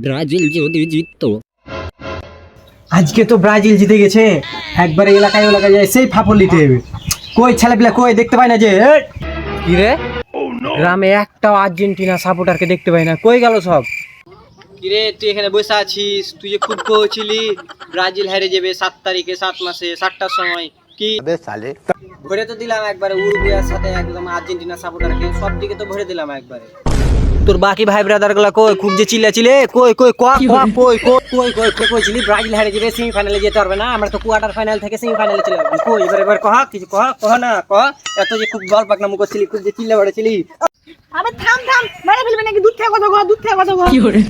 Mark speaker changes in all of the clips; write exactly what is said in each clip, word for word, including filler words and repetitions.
Speaker 1: Brazil যদি জিততো।
Speaker 2: আজকে তো ব্রাজিল জিতে গেছে, একবারে এলাকায় এলাকায় যায় সেই ফাপড় নিতে হবে। কই ছেলেপিলা কই দেখতে পাই না যে? কি রে, গ্রামে একটাও আর্জেন্টিনা সাপোর্টারকে দেখতে পাই না, কই গেল সব?
Speaker 3: কিরে তুই এখানে বসে আছিস? তুই যে খুব কইছিলি ব্রাজিল হেরে যাবে সাত তারিখে, সাত মাসে সাতটার সময়, কি ভরে তো দিলাম একবারে উরুগুয়ের সাথে একদম আর্জেন্টিনা সাপোর্টারকে, সব দিকে তো ভরে দিলাম একবারে। তোর বাকি ভাই ব্রাদার গুলা কই? খুব যে চিল্লাছিলে, কই কই ক ক কই কই কই কই কই কইছিলি ব্রাজিল হেরে যাবে, সেমিফাইনালে যেতে পারবে না, আমরা তো কোয়ার্টার ফাইনাল থেকে সেমিফাইনালে চলে যাবো। কই এবার এবার কহ কিছু কহ কহ না কহ, এত যে খুব গল্প পাকনামু করছিলি, খুব যে চিল্লা বড়ছিলি।
Speaker 4: আবে থাম থাম, মেরে ফেলবে নাকি? দুধ থেকে কথা কও, দুধ থেকে কথা কও। কি করে?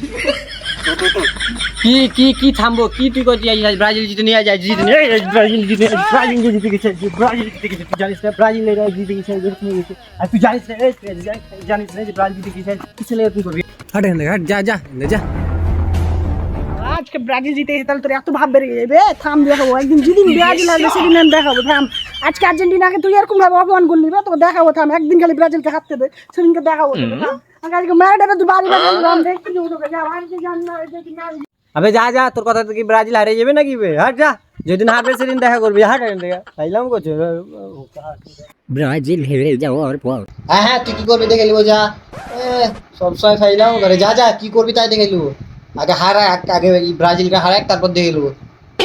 Speaker 3: কি কি কি থামবো? কি তুই কইছিস আজ ব্রাজিল জিতে নিয়ে যায়, জিতে নিয়ে যায়, ব্রাজিল জিতে ব্রাজিল জিতে গেছে, ব্রাজিল জিতে গেছে, তুই জানিস না ব্রাজিল এর জিতে গেছে, জিতে গেছে, আর তুই জানিস না এই জানিস না যে ব্রাজিল জিতে গেছে, কি ছেলে তুই করবি?
Speaker 2: হাট এখান থেকে, হাট, যা যা যা।
Speaker 4: আজকে ব্রাজিল জিতে গেছে, তাহলে তোর এত ভাব বেড়ে যাবে। থাম দেখাবো একদিন, যেদিন ব্রাজিল আসবে সেদিন আমি দেখাবো। থাম, আজকে আর্জেন্টিনাকে তুই এরকম ভাবে অপমান করলি, তোকে দেখাবো। থাম, একদিন খালি ব্রাজিলকে হারতে দে, সেদিনকে দেখাবো তোকে। থাম, আজকে ম্যারাডোনা তুই বাড়ি বাড়ি রাম দেখতে যাবো তোকে। যা বাড়িতে যান না, দেখি না।
Speaker 3: আবে যা যা, তোর কথা তো কি ব্রাজিল হারিয়ে যাবে নাকি বে? হাট যা, যেদিন হারবে সেদিন দেখা করবি। হাট এখান থেকে, খাইলাম করছে।
Speaker 1: ব্রাজিল হেরে যাওয়ার পর
Speaker 3: হ্যাঁ হ্যাঁ, তুই কি করবি দেখে নিবো, যা সবসময় খাইলাম করে। যা যা, কি করবি তাই দেখে নিবো। আগে হারা, আগে ব্রাজিলকে হারাক, তারপর দেখে নিবো।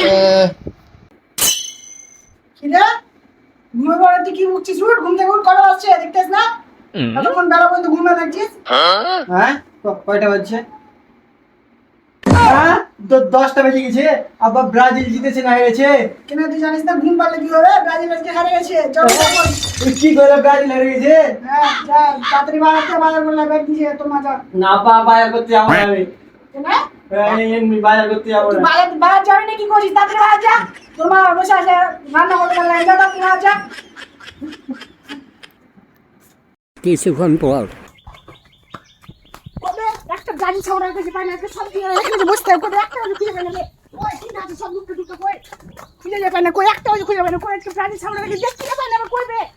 Speaker 4: খিদে ঘুমে পড়ে তুই কি উঠছিস? উঠ, ঘুম থেকে উঠ, কটা বাজছে দেখতেছ না? এতক্ষণ বেলা পর্যন্ত ঘুমে থাকছিস।
Speaker 3: হ্যাঁ কয়টা বাজছে? হ্যাঁ দশটা বেজে গেছে। আবার ব্রাজিল জিতেছে না হেরেছে?
Speaker 4: কেন তুই জানিস না ঘুম পারলে কি হবে? ব্রাজিল আজকে হারে গেছে। চল চল।
Speaker 3: তুই কি করে ব্রাজিল হেরে গেছে?
Speaker 4: হ্যাঁ যা, তাড়াতাড়ি বাজারতে বাজার করলে ব্যাগ দিয়ে তো মজা।
Speaker 3: না পা বাজার করতে যাবো না আমি।
Speaker 4: কেন?
Speaker 3: এমনি বাজার করতে যাবো
Speaker 4: তুই
Speaker 3: না।
Speaker 4: বাজার বাজার যাবি না, কি করছিস? তাড়াতাড়ি বাজার যা। তোর মা বসে আছে রান্না করতে পারলে যা, তাড়াতাড়ি বাজার যা।
Speaker 1: কিছুক্ষণ পর
Speaker 4: কবে একটা গাড়ি ছাওড়ার কাছে পাই না, আজকে সব দিয়ে এখানে বসতে হবে। কবে একটা খুঁজে পাই না রে। ওই কি আছে সব লুকতে লুকতে কই খুঁজে যায় পাই না, কই একটা খুঁজে পাই না, কই একটা গাড়ি ছাওড়ার কাছে দেখতে পাই না, কই বে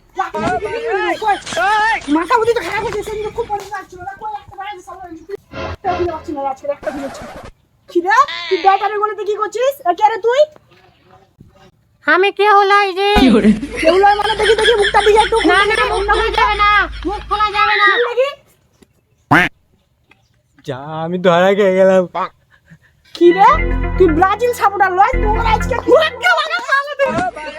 Speaker 4: মাথা বুদ্ধি তো খারাপ হয়েছে, সেদিন খুব মনে লাগছিল না। কই একটা গাড়ি ছাওড়ার একটা খুঁজে পাচ্ছি না আজকে, একটা খুঁজেছি। খিদা তুই ব্যাটারি বলতে কি করছিস? কে রে তুই?
Speaker 5: আমি কে হলাই রে?
Speaker 4: কেউলা মানে দেখি দেখি মুখটা দিকে একটু
Speaker 5: না না, মুখ খোলা যাবে না, মুখ খোলা যাবে না।
Speaker 4: দেখি
Speaker 3: যা, আমি ধরা খেয়ে গেলাম।
Speaker 4: কি রে, তুই ব্রাজিল সাপোর্টার লয়? তোর আজকে কুয়াক্কা লাগা মারলে তুই।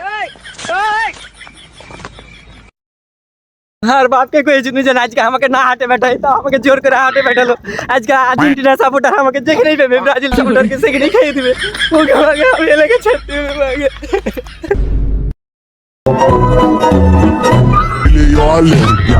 Speaker 3: আর বাপকে কয়েছিল যে আজকে আমাকে না হাঁটে বেটাই, তো আমাকে জোর করে হাঁটে বেটালো। আজকে আর্জেন্টিনা সাপোর্টার আমাকে যেখানেই পাবে, ব্রাজিল সাপোর্টারকে সেখানেই খেয়ে দিবে। ওকে আমাকে আমি এলাকা ছাড়তে হবে আগে।
Speaker 6: Yo,